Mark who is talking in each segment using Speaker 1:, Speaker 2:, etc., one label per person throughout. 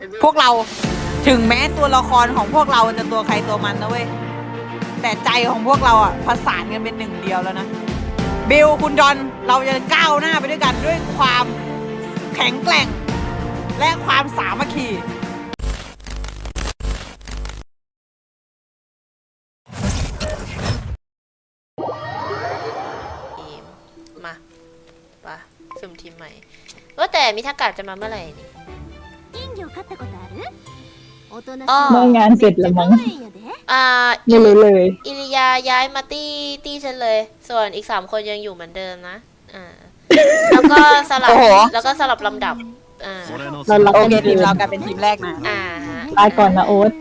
Speaker 1: พวกเราถึงแม้ตัวละครของพวกเราจะตัวใครตัวมันนะเว้ยแต่ใจของพวกเราอ่ะผสานกันเป็นหนึ่งเดียวแล้วนะบิลคุณจอนเราจะก้าวหน้าไปด้วยกันด้วยความแข็งแกร่งและความสามัคคี
Speaker 2: มาปะสุ่มทีมใหม่ว่าแต่มิทากะจะมาเมื่อไหร่นี่
Speaker 3: เมื่องานเสร็จแล้วมั้งไม่รู้เลย
Speaker 2: อิริยาย้ายมาตี้ฉันเลย ส่วนอีก3 คนยังอยู่เหมือนเดิมนะแล้วก็สลับลำดับ
Speaker 3: เรา
Speaker 1: โอเคทีมเรากลายเป็นทีมแรกนะ
Speaker 3: ลาก่อนนะโอ๊ต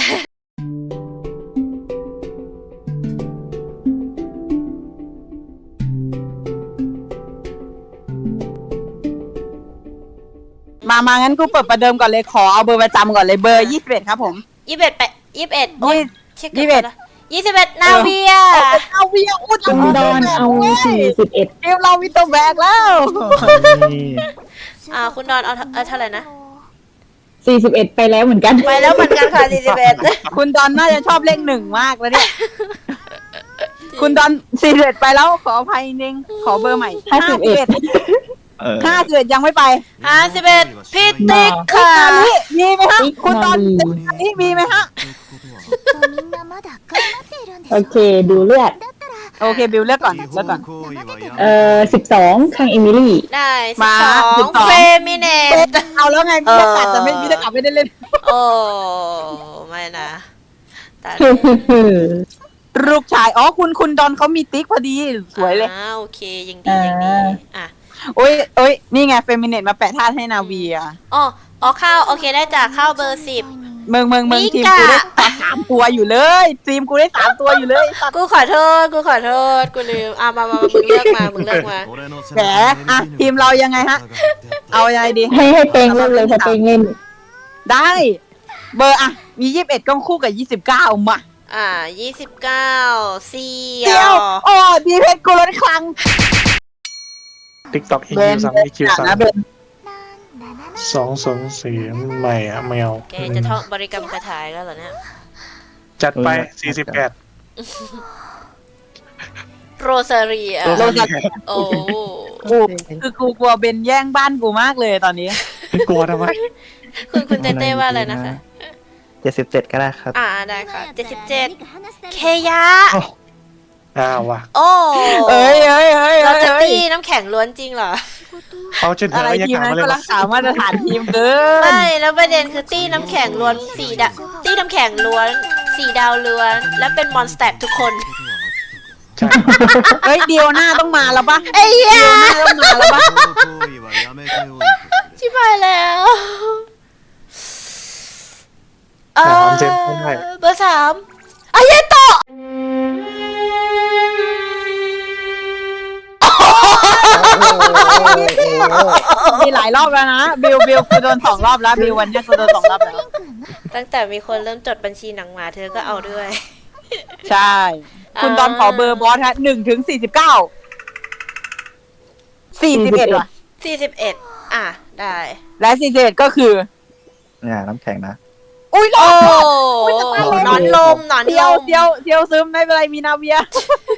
Speaker 1: มางั้นกูเปิดประเดิมก่อนเลยขอเอาเบอร์ประจำก่อนเลยเบอร์21ครับผม
Speaker 2: 21ไป21โอ๊ยเช็คกันนะ21นาเวีย
Speaker 1: อุด
Speaker 3: คุณดอนเอา41
Speaker 1: ทีมเรามีตัวแบกแล้ว
Speaker 2: คุณดอนเอาเท่าไหร่นะ
Speaker 3: 41ไปแล้วเหมือนกัน
Speaker 2: ค่ะ41
Speaker 1: คุณดอนน่าจะชอบเลข1มากแล้วเนี่ยคุณดอน41ไปแล้วขออภัยจริงขอเบอร์ใหม่51ยังไม่ไป
Speaker 2: 51พี่ติ๊กค่ะ
Speaker 1: มีไหมฮะคุณดอนนี่มีไหมฮะ
Speaker 3: โอเคดูเลือด
Speaker 1: โอเคบิวเลือกก่อน
Speaker 3: 12ข้างเอมิลี่
Speaker 2: ได้12เฟมิเนต
Speaker 1: เอาแล้วไงพี่จะกัดแต่พี่จะกัดไม่ได้เล่น
Speaker 2: โอ้ไม่นะ
Speaker 1: ลูกชายคุณดอนเขามีติ๊กพอดีสวยเลย
Speaker 2: โอเคยังดี
Speaker 1: โอ้ยนี่ไงเฟมิเนตมาแปะท่าให้นาเวีย
Speaker 2: ข้าวโอเคได้จากข้าวเบอร์10
Speaker 1: เมืองทีมกูได้3 ตัวอยู่เลยทีมกูได้3 ตัวอยู่เลย
Speaker 2: กูขอโทษกูลืมมามึงเลือกมา
Speaker 1: แหมทีมเรายังไงฮะเอายังไงดี
Speaker 3: ให้เต็งเล่นเลยถ้าเต็งเล่น
Speaker 1: ได้เบอร์มี21ก็คู่กับ29มา
Speaker 2: 29เ
Speaker 1: สี่ยวดีเพชรกูล้นคลัง
Speaker 4: TikTok
Speaker 1: เบน
Speaker 4: คิว3
Speaker 1: นะเบน
Speaker 4: 204ใหม่แมว
Speaker 2: แกจะท่องบริกรรมคาถาแล้วเหรอเนี่ย
Speaker 4: จัดไป48
Speaker 2: โรซาเรียโอ้
Speaker 1: คือกูกลัวเบนแย่งบ้านกูมากเลยตอนนี้
Speaker 4: กลัวทำไม
Speaker 2: คุณเต้ว่าอะไรนะคะ
Speaker 5: 77ก็ได้ครับ
Speaker 2: ได้ค่ะ77เคยะ
Speaker 4: ว่ะ
Speaker 1: เอ้ย
Speaker 2: เราจะตีน้ำแข็งล้วนจริงเหรอ
Speaker 4: เขาจะ
Speaker 1: อะไรทีมนั้นก็รักษามาตรฐานทีมเกิน
Speaker 2: ไม่แล้วประเด็นคือตีน้ำแข็งล้วน4 ดาวตีน้ำแข็งล้วน4 ดาวล้วนและเป็นมอนสเตอร์ทุกคน
Speaker 1: เฮ้ยเดียวหน้าต้องมาแล้วปะ
Speaker 2: ไอ้เหี้ย
Speaker 1: ต้องมาแล้วปะ
Speaker 2: ชิบหายแล้วเบอร์3อายะโตะ
Speaker 1: มีหลายรอบแล้วนะบิวกูโดน2 รอบแล้วบิววันนี้กูโดน2 รอบแล้ว
Speaker 2: ตั้งแต่มีคนเริ่มจดบัญชีหนังหมาเธอก็เอาด้วย
Speaker 1: ใช่คุณตอนขอเบอร์บอสฮะ1 ถึง 49 41ว่ะ
Speaker 2: 41ได้
Speaker 1: และ41ก็คือ
Speaker 5: น้ำแข็งนะ
Speaker 1: อุ้ย
Speaker 2: นอนลม
Speaker 1: เดียวซึมไม่เป็นไรมีนาเวีย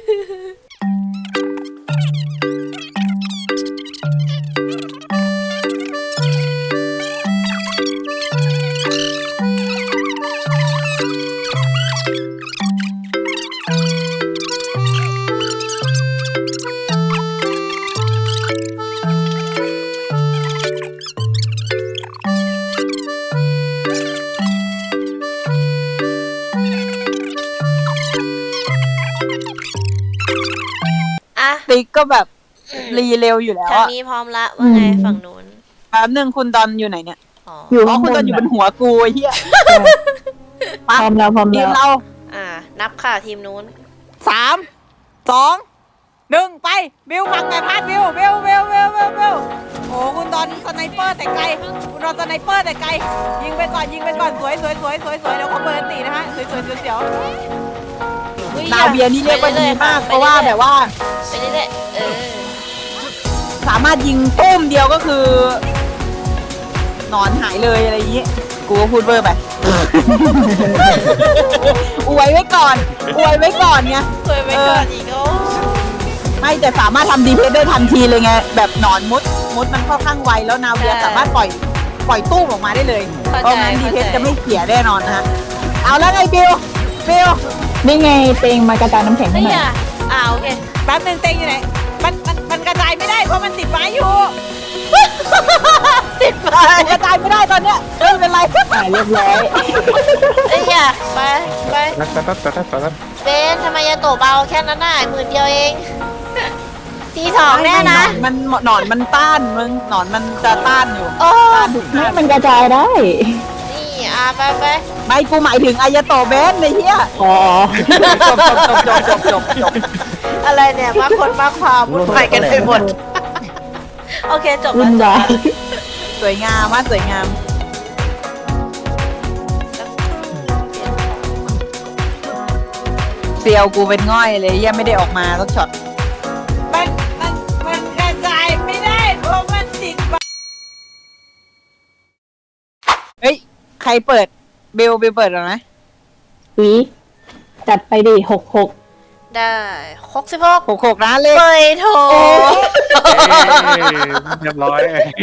Speaker 1: ติ๊กก็แบบรีเร็วอยู่แล้ว
Speaker 2: ทางนี้พร้อมละว่าไงฝั่งนู้น
Speaker 1: แป๊บนึงคุณดอนอยู่ไหนเนี่ย
Speaker 3: อยู่
Speaker 1: คุณดอนอยู่บนหัวกูเฮีย
Speaker 3: พร้อมแล้ว
Speaker 1: ทีมเรา
Speaker 2: นับค่ะทีมนู้น
Speaker 1: 3 2 1ไปบิวฟังไงพาดบิวโอ้คุณดอนสไนเปอร์แต่ไกลคุณดอนสไนเปอร์แต่ไกลยิงไปก่อนสวยเดี๋ยวเขาเปิดตีนะฮะสวยเดี๋ยวนาเบียนี่เรียกว่าดีมากเพราะว่าแบบว่า
Speaker 2: ไปเรื่อย
Speaker 1: สามารถยิงตุ้มเดียวก็คือหนอนหายเลยอะไรอย่างนี้กูก็พูดเบอร์ไป อวยไว้ก่อนอวยไว้ก่อนไง
Speaker 2: เคยไปก่อนอีกโอ้
Speaker 1: ไม่แต่สามารถทำดีเพสได้ทันทีเลยไงแบบหนอนมุดมันค่อนข้างไวแล้วนาเวียสามารถปล่อยตู้ออกมาได้เลยเพราะงั้นดีเพสจะไม่เสียแน่นอนนะฮะเอาแล้วไงบิว
Speaker 3: นี่ไงเตงมากระจายน้ำแข็งให้
Speaker 2: นี่
Speaker 3: หน่อย
Speaker 2: โอเค
Speaker 1: แป๊บนึงเต็งอยู่ไหนมันกระจายไม่ได้เพราะมันติดไม้อยู่
Speaker 2: ติดไป
Speaker 1: กระจายไม่ได้ตอนเนี้ยไม่เป็นไร
Speaker 3: เรียบร้อย
Speaker 2: ไป
Speaker 4: แล้ว
Speaker 2: เบนทำไมยาโตะเบาแค่นั้นน่ะ10,000 เดียวเองทีสองแน่นะ
Speaker 1: หนอนมันต้านมึงหนอนมันจะต้านอยู่
Speaker 2: โอ้
Speaker 1: ต้านทุก
Speaker 3: ไม่
Speaker 1: ต้าน
Speaker 3: มันกระจายได้
Speaker 2: นี่ไป
Speaker 1: ไม่กูหมายถึงอายาโตะเบนในเฮีย
Speaker 3: อ๋อ
Speaker 1: จบ
Speaker 2: อะไรเนี่ยมาคนมาความวุ่นวายกันไปหมดโอเคจบ
Speaker 3: วุ่
Speaker 2: แล้ว
Speaker 3: นวาย
Speaker 1: สวยงามมากสวยงามเซียวกูเป็นง่อยเลยยังไม่ได้ออกมาสักช็อตมันกระจายไม่ได้เพราะมันติดเฮ้ยใครเปิดเบลเปิดหรอนะ
Speaker 3: วิจัดไปดิ66
Speaker 2: ได้66
Speaker 1: 66นะเลข
Speaker 2: เบยโถ
Speaker 4: เรียบร้อย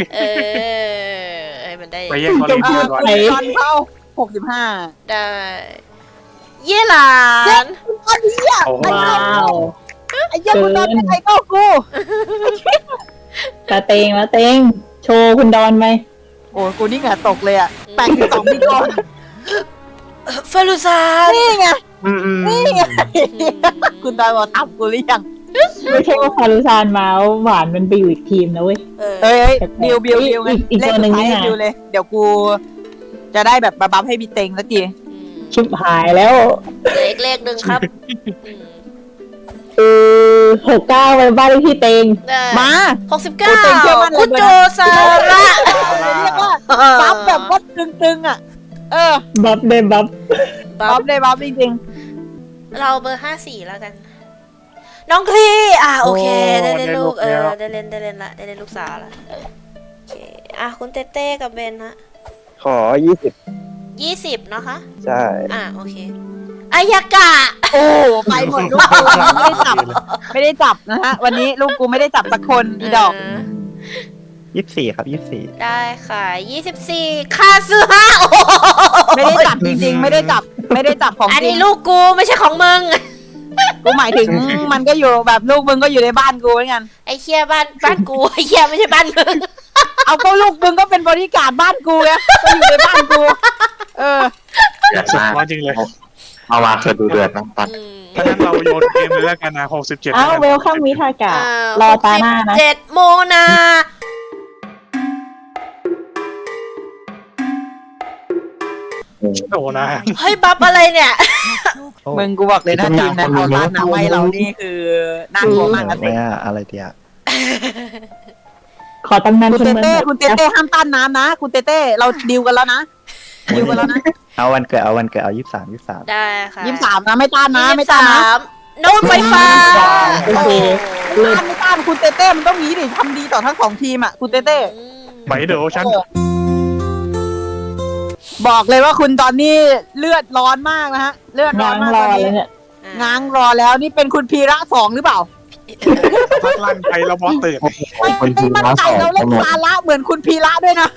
Speaker 2: มันได้
Speaker 4: ไปแย่งคอลินเรียบร้อย
Speaker 1: ตอนเข้า65
Speaker 2: ได้เย่หลาน
Speaker 1: ตอนนี้อ่ะ
Speaker 4: โอ้โห
Speaker 3: ว้าว
Speaker 1: ไอ้เหี้ยคุณตอนเป็นไอ้ก็กู
Speaker 3: ตาเตงโชว์คุณดอนไหม
Speaker 1: โอ้กูนี่เหงื่อตกเลยอ่ะ82ปีก่อน
Speaker 2: ฟารุซาน
Speaker 1: นี่ไง
Speaker 4: อืม
Speaker 1: นี่ไงคุณตอนบอกตับกูหรือยัง
Speaker 3: ไม่ใช่ว่าคารุซานมาหวานมันไปอยู่อีกทีมนะเว้ย
Speaker 1: เอ้ยบิวไง
Speaker 3: อีก
Speaker 1: เล่น
Speaker 3: ตัวหนึ่
Speaker 1: สุด
Speaker 3: ง
Speaker 1: ท้าย
Speaker 3: นี่นะ
Speaker 1: บิวเลยเดี๋ยวกูจะได้แบบบัฟให้พี่เต็งสักที
Speaker 3: ชิบหายแล้ว
Speaker 2: เลขหนึ่งครับ
Speaker 3: 69ไปบ้านเลขที่เตง
Speaker 1: มา
Speaker 2: 69คุณโจซาระ
Speaker 1: เรียกว่าบัฟแบบว่าตึงๆอ่ะ
Speaker 3: บัฟได้บัฟ
Speaker 1: บัฟได้บัฟจริง
Speaker 2: เราเบอร์54แล้วกัน น้องคลีโอเคได้เล่นลูกได้เล่นละได้เล่นลูกสาวละโอเคคุณเต้เต้กับเบนฮะ
Speaker 5: ขอ20
Speaker 2: 20เนาะคะ
Speaker 5: ใช่
Speaker 2: โอเคอายากะ
Speaker 1: ๆโอ้ไปหมดลูกกูไม่ได้จับนะฮะวันนี้ลูกกูไม่ได้จับสักคนอีดอก
Speaker 5: 24 ครับ 24
Speaker 2: ได้ค่ะ24คาซึฮะ
Speaker 1: ไม่ได้จับจริงๆไม่ได้จับของ
Speaker 2: อัน
Speaker 1: จริ
Speaker 2: นี้
Speaker 1: ง
Speaker 2: ลูกกูไม่ใช่ของมึง
Speaker 1: กูหมายถึงมันก็อยู่แบบลูกมึงก็อยู่ในบ้านกูเหมือนกัน
Speaker 2: ไอ้เคียบ้านกูไอ้เคียไม่ใช่บ้านมึง
Speaker 1: เอาก็ลูกมึงก็เป็นบริการบ้านกูไงก็อยู่ในบ้านกู
Speaker 4: สุดยอดจริงเลย
Speaker 5: เอามาเกิดดูเดือดนะตอน
Speaker 4: ถ้างั้นเราโยนเกมเลยแล้วกันนะ67
Speaker 3: อ้าวเวลคัมวิทากะรอตาหน้านะ
Speaker 2: 7 โมนา
Speaker 4: โอ้นะ
Speaker 2: เฮ้ยบัฟอะไรเนี่ย
Speaker 1: มึงกูบอกเลยนะจริงนะเอาร้านน้ำไว้เรานี่คือน่ากลัวมากนะ
Speaker 5: ไม่อะไรเดียว
Speaker 3: ขอตำนาน
Speaker 1: คุณ
Speaker 3: คน
Speaker 1: เต้
Speaker 3: เมือง
Speaker 1: เต้คุณเต้เต้ห้ามต้านน้ำนะคุณเต้เต้เราดิวกันแล้วนะดิวกันแล้วนะ
Speaker 5: เอาวันเกิดเอา23
Speaker 2: ได้ค่ะ
Speaker 1: 23นะไม่ต้านนะไม่ต้านนะ
Speaker 2: โน้ตไฟฟ้า
Speaker 3: โอเคเลิศ
Speaker 1: ไม่ต้านคุณเต้เต้มันต้องงี้ดิทำดีต่อทั้งสองทีมอ่ะคุณเต้เต้
Speaker 4: ไปเดี๋ยวฉัน
Speaker 1: บอกเลยว่าคุณตอนนี้เลือดร้อนมากนะฮะเลือดร้อน
Speaker 3: ง้าง
Speaker 1: มาก
Speaker 3: ร
Speaker 1: ต
Speaker 3: อ
Speaker 1: อน
Speaker 3: เลย
Speaker 1: นี้
Speaker 3: เนี่ย
Speaker 1: ง้างรอแล้วนี่เป็นคุณพีระ2หรือเปล่า
Speaker 4: พักลั่นไปแล้วบอสตื่น
Speaker 1: ไม่มั่นใจเราเล่นซาระเหมือนคุณพีระด้วยนะ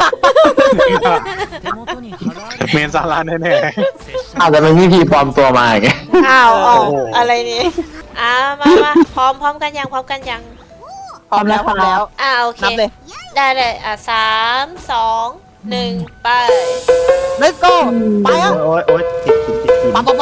Speaker 4: เมนซาร่าแน่
Speaker 5: อาจจะเป็นวิธีปลอมตัวมาไง
Speaker 2: อะไรนี่มาพร้อมกันยัง
Speaker 1: พร้อมแล้ว
Speaker 2: โอเค
Speaker 1: นับเลย
Speaker 2: ได้3 2 1 ไป
Speaker 1: let's go ไปอ่ะ
Speaker 5: โอ๊ยติด
Speaker 1: ปังถ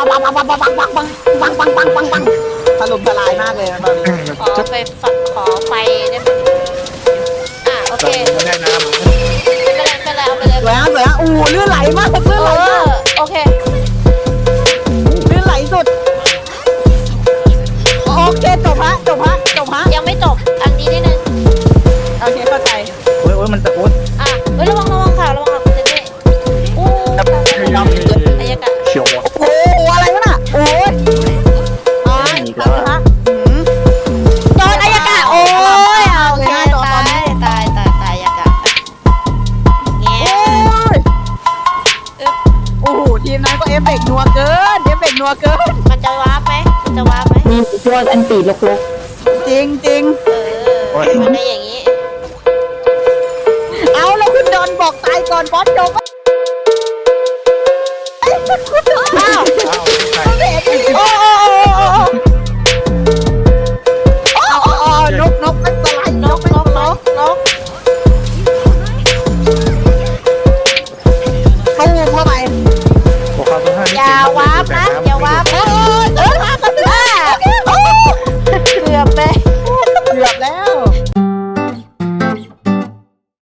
Speaker 1: ล่มทลายมากเลยนะตอนนี้
Speaker 2: ขอไฟได้ไหมโอเค
Speaker 4: ๆไม่ได้นะ
Speaker 2: เป็นไรเอาไปเลย
Speaker 1: สวยฮะอู้เลื่อนไหลมากเลื่อนไหลมาก
Speaker 2: โอเค
Speaker 1: เลื่อนไหลสุดโอเคจบฮะ
Speaker 2: ยังไม่จบอันนี้นิดนึง
Speaker 1: โอเคเข้าใจ
Speaker 5: โอ๊ยมันจะโอ๊ย
Speaker 2: เฮ้ยระวังค่ะคุณเจเจโอ้อายากะ
Speaker 4: เชียว
Speaker 1: โอ้อะไรวะน่ะโอ้ยตายฮะ
Speaker 2: โดนอายากะโอ้ยโอเคตายอายากะเงี้ย
Speaker 1: เอฟเฟกต์นัวเกินเอฟเฟกต์นัวเกิน
Speaker 2: มันจะวาร์ปไหมมันจะวาร์ปไหม
Speaker 3: มีพวกอันตีลก
Speaker 1: จริงจริง
Speaker 2: มันได้อย่างนี้
Speaker 1: เอาแล้วคุณโดนบอกตายก่อนบอสโดนอ้าว
Speaker 4: อ้าวใช่
Speaker 1: โอ้โอ้